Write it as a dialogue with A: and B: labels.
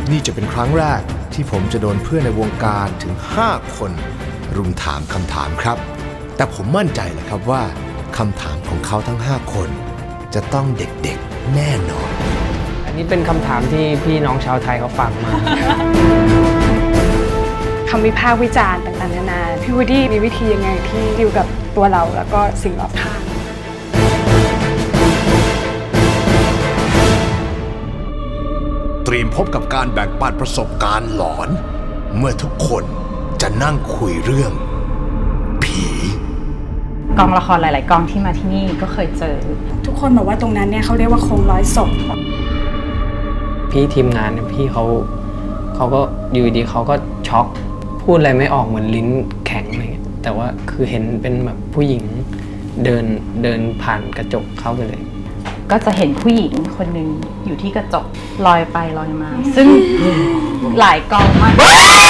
A: นี่จะเป็นครั้งแรกที่ผมจะโดนเพื่อนในวงการถึง5 คนรุมถามคำถามครับแต่ผมมั่นใจเลยครับว่าคำถามของเขาทั้ง5 คนจะต้องเด็กๆแน่นอน
B: อันนี้เป็นคำถามที่พี่น้องชาวไทยเขาฝากมา
C: คำวิพากษ์วิจารณ์ต่างๆนานาพี่วูดดี้มีวิธียังไงที่ดิวกับตัวเราแล้วก็สิ่งรอบข้าง
A: เตรียมพบกับการแบ่งปันประสบการณ์หลอนเมื่อทุกคนจะนั่งคุยเรื่องผี
D: กองละครหลายๆกองที่มาที่นี่ก็เคยเจอ
C: ทุกคนบอกว่าตรงนั้นเนี่ยเขาเรียกว่าโคงร้อยศพ
B: พี่ทีมงานพี่เขาก็อยู่ดีเขาก็ช็อกพูดอะไรไม่ออกเหมือนลิ้นแข็งอะไรเงี้ยแต่ว่าคือเห็นเป็นแบบผู้หญิงเดินผ่านกระจกเข้าไปเลย
D: ก็จะเห็นผู้หญิงคนหนึ่งอยู่ที่กระจกลอยไปลอยมาซึ่งหลายกองมาก